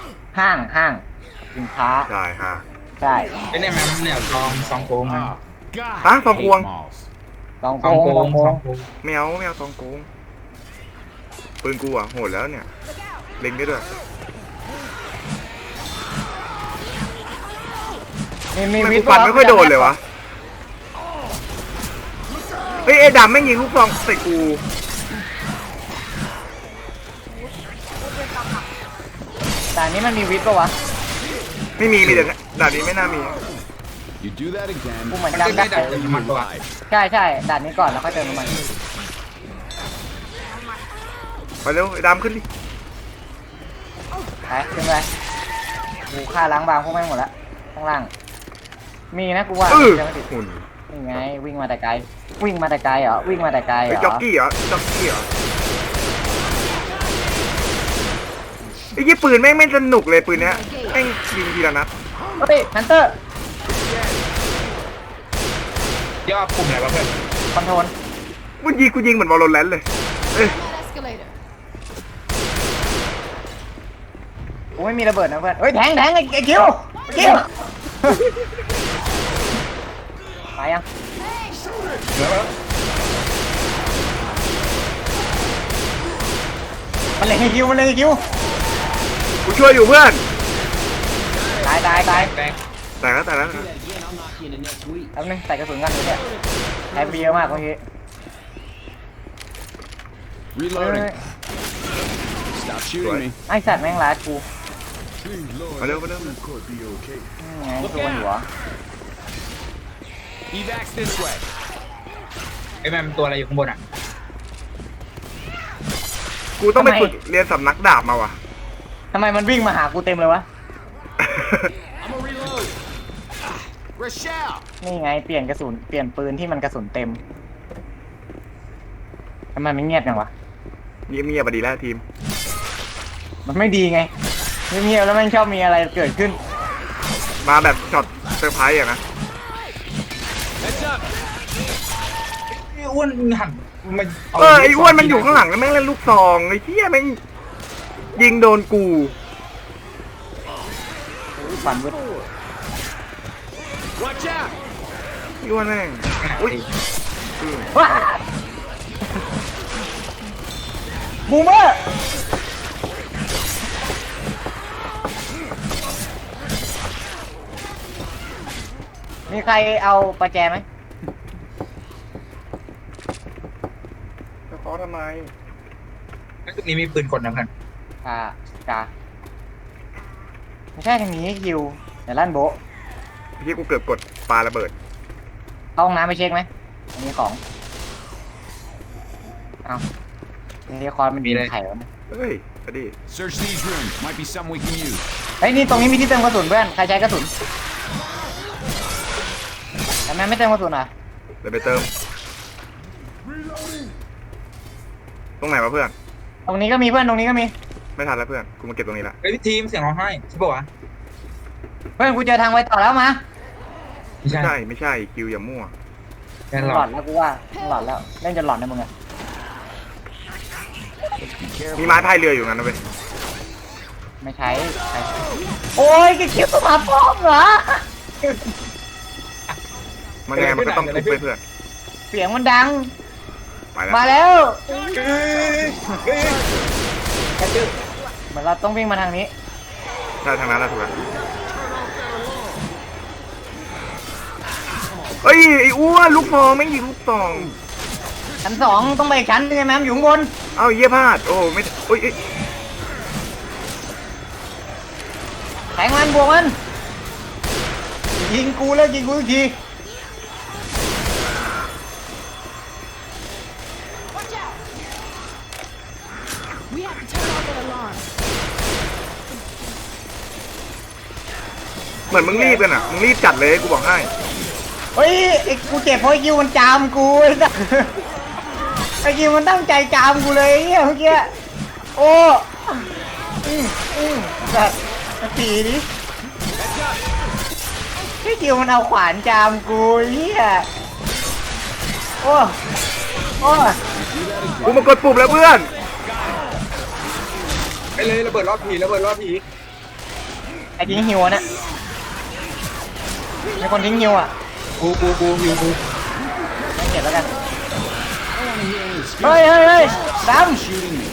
ห้างสินค้าใช่ฮะใช่ไอ้เนี่ยมันเนี่ยซองโกงมันฮะทองกวงลองซองโกลอง งไม่เอาทองกวงปืนกูอ่ะโหดแล้วเนี่ยเล็งได้ด้วยมีมันวิกูทย์ฟันไม่ค่อยโดนเลยวะเฮ้ยไอ้ดำแม่งยิงลูกซองใส่กูแต่อันนี้มันมีวิทย์ปะวะไม่มีแต่ด่านนี้ไม่น่ามี You do that again, กูเหมือนมันจำจะได้ได้ดับเติมน้ำมันตัว live. ใช่ด่านนี้ก่อนแล้วค่อยเติมน้ำมันไปเร็วไอ้ดำขึ้นดิไปขึ้นไปกูฆ่าล้างบางพวกแม่งหมดแล้วข้างล่างมีนะกูว่าอื้อจะไม่ติดหุ่นนี่ไงวิ่งมาแต่ไกลวิ่งมาแต่ไกลเหรอวิ่งมาแต่ไกลเหรไอ้อจ็อกกี้เหรอจ็อกกี้เหรอไอ้ยี่ปืนแม่งไม่สนุกเลยปืนเนี้ยแม่งยิงทีละนัดเฮ้ยฮันเตอร์ย่อปุ่มไหนวะเพื่อนคอนโทรลกูยิงเหมือนวอลโลแรนต์เลยเอ้ย Escalator. กูไม่มีระเบิดนะเพื่อนเฮ้ยแทงไอ้คิวไปยังแล้วมันเล็งไอ้คิวกูช่วยอยู่เพื่อนตายแตงแต่แล้วแป๊บนึงใส่กระสุนกันเลยเนี่ยแทงไปเยอะมากเมื่อกี้ Reloading. Stop shooting me. ไอสัตว์แม่งรัดกูมาเร็วนี่ไงตัวหัว Evacs this way. ไอ้แม่มันตัวอะไรอยู่ข้างบนอ่ะกูต้องไปฝึกเรียนสำนักดาบมาว่ะทำไมมันวิ่งมาหากูเต็มเลยวะ I'm a reload. Rochelle. นี่ไงเปลี่ยนปืนที่มันกระสุนเต็มทำไมมันเงียบจังวะเงียบๆไปดีแล้วทีมมันไม่ดีไงเงียบๆแล้วมันชอบมีอะไรเกิดขึ้นมาแบบช็อตเซอร์ไพรส์อะนะ Heads up. ไอ้อ้วนหันมันไอ้อ้วนมันอยู่ข้างหลังแล้วแม่งเล่นลูกซองไอ้เหี้ยแม่งยิงโดนกูฝันวึด Watch out. ไอ้อ้วนแม่งอุ้ยว้าบูมเมอร์มีใครเอาประแจไหมจะขอทำไมไอ้ตรงนี้มีปืนกลนะเพื่อนกาไม่ใช่ทางนี้คิวเดี๋ยวลั่นโบะพี่กูเกือบกดปาระเบิดเข้าห้องน้ำไปเช็คไหมอันนี้ของเอาเรียคอนมันมีไข่แล้วเฮ้ยอดี Search these rooms. Might be some we can use. เฮ้ยนี่ตรงนี้มีที่เติมกระสุนเพื่อนใครใช้กระสุนทำไมไม่เติมกระสุนอ่ะเดี๋ยวไปเติม ตรงไหนวะเพื่อนตรงนี้ก็มีเพื่อนตรงนี้ก็มีไม่ทันแล้วเพื่อน กูมาเก็บตรงนี้ละไอ้ทีมเสียงร้องไห้ใช่ป่าวะเพื่อนกูเจอทางไว้ต่อแล้วมาไม่ใช่ไม่ใช่คิวอย่ามั่วแน่นหหลลออดดแล้วกูว่าหลอดแล้วเล่นจนหลอดนะมึงอะมีไม้พายเรืออยู่งั้นนะเว้ยไม่ใช้โอ้ยคิวตัวมาป้อมเหรอมันไงมันก็ต้องทุบไปเพื่อนเสียงมันดังไปแล้วมาแล้วแค่ชื่อเหมือนเราต้องวิ่งมาทางนี้ใช่ทางนั้นนะถูกแล้วเฮ้ยไอ้อ้วนลูกซองไม่งยิงลูกซองชั้นสองต้องไปอีกชั้นนึงไงแม่มอยู่ข้างบนเอ้าเยี่ยพลาด โอ้ไม่โอ้ยแทงมันบวกมันยิงกูแล้วยิงกูอีกที Watch out. We have to turn off the alarm. เหมือนมึงรีบกันอ่ะ มึงรีบจัดเลยกูบอกให้เฮ้ยไอ้กูเจ็บเพราะไอ้คิวมันจามกูไอ้สัสไอ้คิวมันตั้งใจจามกูเลยไอ้เหี้ยเมื่อกี้โอ้สัสสีดิไอ้คิวมันเอาขวานจามกูไอ้เหี้ยโอ้โอ้กูมากดปุ่มแล้วเพื่อนไปเลยระเบิดรอบผีระเบิดรอบผีไอ้ทิ้งฮิวอะเนี่ยมีคนทิ้งฮิวอ่ะกูอยู่กูไม่เก็บแล้วกัน I want to hear any เฮ้ย excuse. เฮ้ยด Shooting me.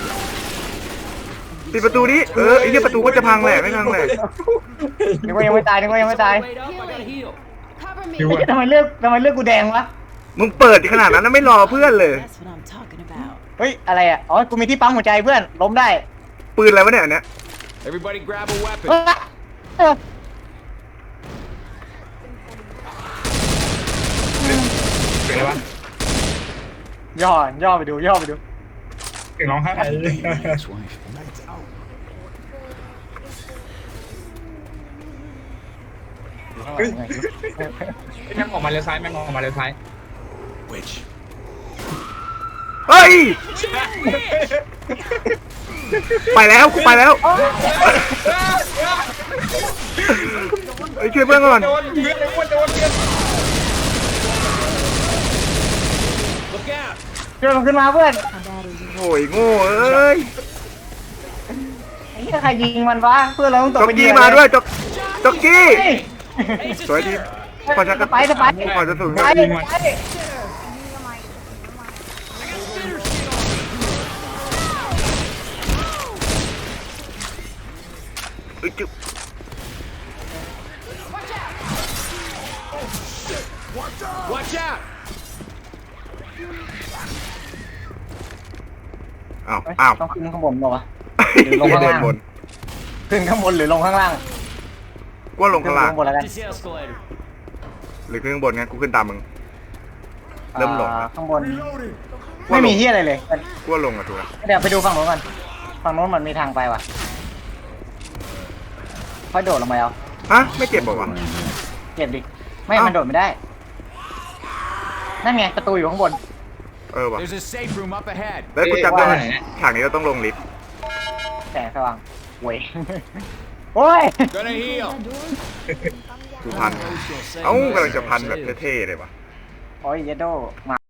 ปิดประตูนี้ไอ้เหี้ยประตูก็จะพังแหละไม่พังแหละำนึกว่ายังไม่ตายนึกว่ายังไม่ตาย Wait up, I gotta heal. Cover me. อยู่ไอ้อะเหี้ยทำไมเลือกกูแดงวะมึงเปิดขนาดนั้นนะไม่รอเพื่อนเลย That's what I'm talking about. เฮ้ยอะไรอ่ะอ๋อกูมีที่ปั๊มหัวใจเพื่อนล้มได้ปืนอะไรวะเนี่ยอันเนี้ย Everybody grab a weapon. เออเสียงอะไรวะย่อไปดูเสียงร้องไห้ Ex-wife. เฮ้ยแม่งออกมาเลี้ยวซ้ายแม่งออกมาเลี้ยวซ้าย Which? เฮ้ยไปแล้วกูไปแล้วเฮ้ยช่วยเพื่อนก่อนโดนเพื่อนเลยว่าโดนเพื่อน Look out! ช่วยมันขึ้นมาเพื่อนโอ้ยโง่เอ้ยไอ้เหี้ยใครยิงมันวะเพื่อนเราต้องตกจ็อกเป็นเหกี้ยื่อมาด้วยเลยจ็อกกี้เฮ้ยสวยทีพอจะสไปร์พอจะสูงไปไปเอ้ยจุ๊บ Watch out! อ้าวต้องขึ้นข้างบนเปล่าวะเดินบนขึ้นข้างบนหรือลงข้างล่างกูว่าลงข้างล่างขึ้นข้างบนแล้วกัน This escalator. หรือขึ้นข้างบนงั้นกูขึ้นตามมึง เริ่มลงแล้วข้างบนไม่มีที่อะไรเลยกูว่าลงอะถูกแล้วเดี๋ยวไปดูฝั่งโน้นก่อนฝั่งโน้นมันมีทางไปว่ะค่อยโดดลงไปเอาฮะไม่เจ็บบอกวะเก็บดิไม่เอ้ามัมันโดดไม่ได้นั่นไงประตูอยู่ข้างบนเออวะ There's a safe room up ahead. แล้วกูจำได้ว่าฉากนี้เราต้องลงลิฟต์แสงสว่างเว้ยโอ้ย Gonna heal. กูพัน เอ้ากำลังจะพันแบบเท่ๆเลยวะโอ้ยเยดโดมา